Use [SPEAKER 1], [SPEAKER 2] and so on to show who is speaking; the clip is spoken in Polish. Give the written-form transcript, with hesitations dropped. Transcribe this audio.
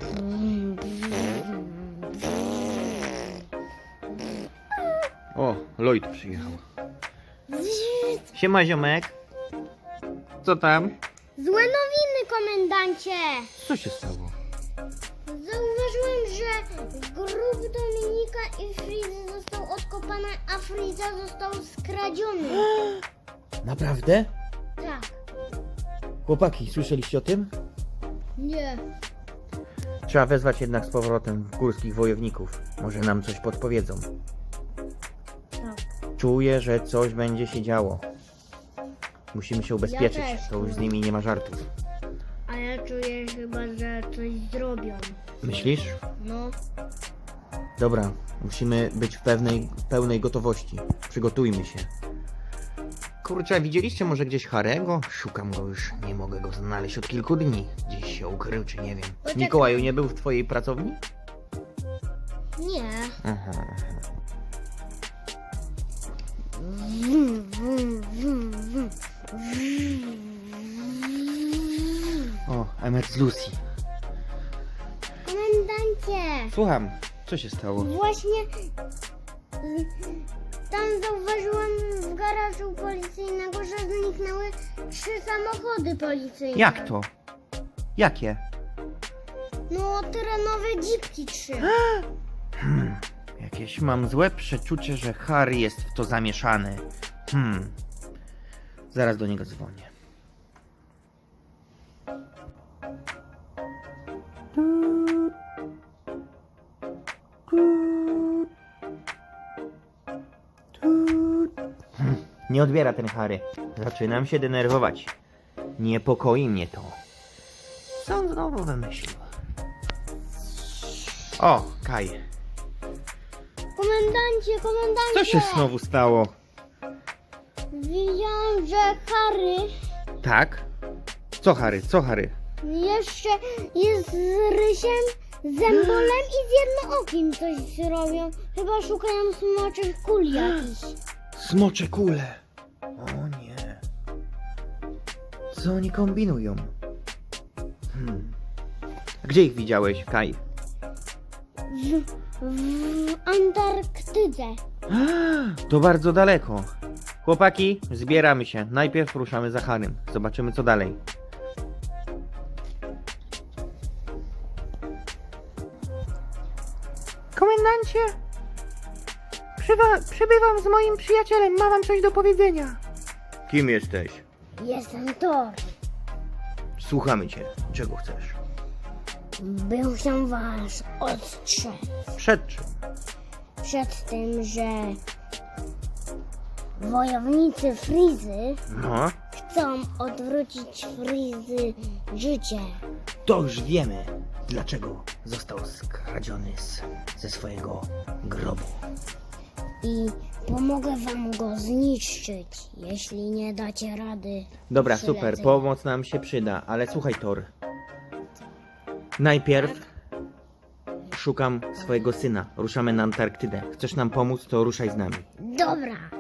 [SPEAKER 1] O, Lloyd przyjechał. Siema, ziomek. Co tam?
[SPEAKER 2] Złe nowiny, komendancie!
[SPEAKER 1] Co się stało?
[SPEAKER 2] Zauważyłem, że grób Dominika i Frizy został odkopany, a Friza został skradziony.
[SPEAKER 1] Naprawdę?
[SPEAKER 2] Tak.
[SPEAKER 1] Chłopaki, słyszeliście o tym?
[SPEAKER 2] Nie.
[SPEAKER 1] Trzeba wezwać jednak z powrotem górskich wojowników. Może nam coś podpowiedzą.
[SPEAKER 2] Tak.
[SPEAKER 1] Czuję, że coś będzie się działo. Musimy się ubezpieczyć.
[SPEAKER 2] Ja też
[SPEAKER 1] To już z
[SPEAKER 2] czuję.
[SPEAKER 1] nimi nie ma żartów.
[SPEAKER 2] A ja czuję chyba, że coś zrobią.
[SPEAKER 1] Myślisz?
[SPEAKER 2] No.
[SPEAKER 1] Dobra, musimy być w pełnej gotowości. Przygotujmy się. Kurczę, widzieliście może gdzieś Harego? Szukam go już, nie mogę go znaleźć od kilku dni. Gdzieś się ukrył, czy nie wiem.
[SPEAKER 2] Poczekaj.
[SPEAKER 1] Mikołaju nie był w twojej pracowni?
[SPEAKER 2] Nie.
[SPEAKER 1] Aha. O, Emmet z Lucy.
[SPEAKER 2] Komendancie!
[SPEAKER 1] Słucham, co się stało?
[SPEAKER 2] Właśnie tam zauważyłam w garażu policyjnego, że zniknęły 3 samochody policyjne.
[SPEAKER 1] Jak to? Jakie?
[SPEAKER 2] No, terenowe dzipki 3.
[SPEAKER 1] Jakieś mam złe przeczucie, że Harry jest w to zamieszany. Zaraz do niego dzwonię. Nie odbiera ten Harry. Zaczynam się denerwować. Niepokoi mnie to. Co on znowu wymyślił? O, Kaj.
[SPEAKER 2] Komendancie!
[SPEAKER 1] Co się znowu stało?
[SPEAKER 2] Widziałam, że Harry
[SPEAKER 1] Tak? Co Harry? Co Harry?
[SPEAKER 2] jeszcze jest z Rysiem, z Zębolem i z Jednookim coś robią. Chyba szukają smoczych kul jakichś.
[SPEAKER 1] Smocze kule. O nie. Co oni kombinują? Gdzie ich widziałeś, Kaj?
[SPEAKER 2] W Antarktydze.
[SPEAKER 1] To bardzo daleko. Chłopaki, zbieramy się. Najpierw ruszamy za Harrym. Zobaczymy, co dalej. Komendancie, przybywam z moim przyjacielem. Ma wam coś do powiedzenia. Kim jesteś?
[SPEAKER 2] Jestem Thor.
[SPEAKER 1] Słuchamy cię. Czego chcesz?
[SPEAKER 2] Bym chciał was ostrzec
[SPEAKER 1] Przed czym?
[SPEAKER 2] przed tym, że wojownicy Frizy
[SPEAKER 1] No,
[SPEAKER 2] chcą odwrócić Frizy życie.
[SPEAKER 1] to już wiemy, dlaczego został skradziony ze swojego grobu.
[SPEAKER 2] I pomogę wam go zniszczyć, jeśli nie dacie rady.
[SPEAKER 1] Dobra,
[SPEAKER 2] Przylecę.
[SPEAKER 1] super, pomoc nam się przyda, ale słuchaj, Thor. Najpierw szukam swojego syna. Ruszamy na Antarktydę. Chcesz nam pomóc, to ruszaj z nami.
[SPEAKER 2] Dobra.